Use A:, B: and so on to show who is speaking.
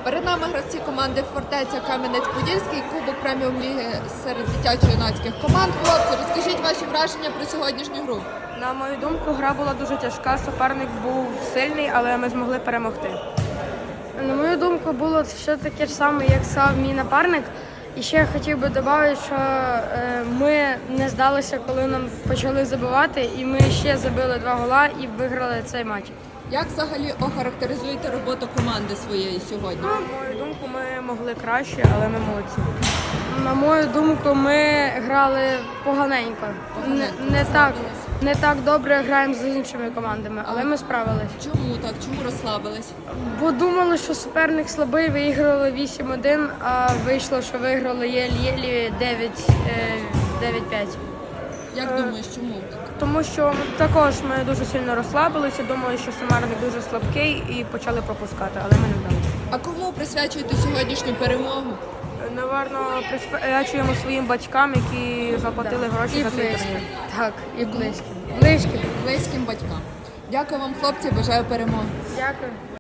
A: Перед нами гравці команди «Фортеця» Кам'янець-Подільський, Кубок преміум-ліги серед дитячо-юнацьких команд. Хлопці, розкажіть ваші враження про сьогоднішню гру.
B: На мою думку, гра була дуже тяжка, суперник був сильний, але ми змогли перемогти.
C: На мою думку, було все таке ж саме, як сказав мій напарник. І ще я хотів би додати, що ми не здалися, коли нам почали забивати, і ми ще забили 2 гола і виграли цей матч.
A: Як взагалі охарактеризуєте роботу команди своєї сьогодні?
B: На мою думку, ми могли краще, але ми молодці.
C: На мою думку, ми грали поганенько. Не так добре граємо з іншими командами, але ми справились.
A: Чому так? Чому розслабились?
C: Бо думали, що суперник слабий, виіграли 8-1, а вийшло, що виграли єлі 9-5.
A: Як думаєш, чому так?
B: Тому що також ми дуже сильно розслабилися, думали, що суперник дуже слабкий і почали пропускати, але ми не вдали.
A: А кому присвячуєте сьогоднішню перемогу?
B: Наверно, присвячуємо своїм батькам, які заплатили гроші
C: І
B: за цей
C: близьким.
B: турнір.
C: Так, і близьким. Близьким.
A: Близьким батькам. Дякую вам, хлопці, бажаю перемоги.
C: Дякую.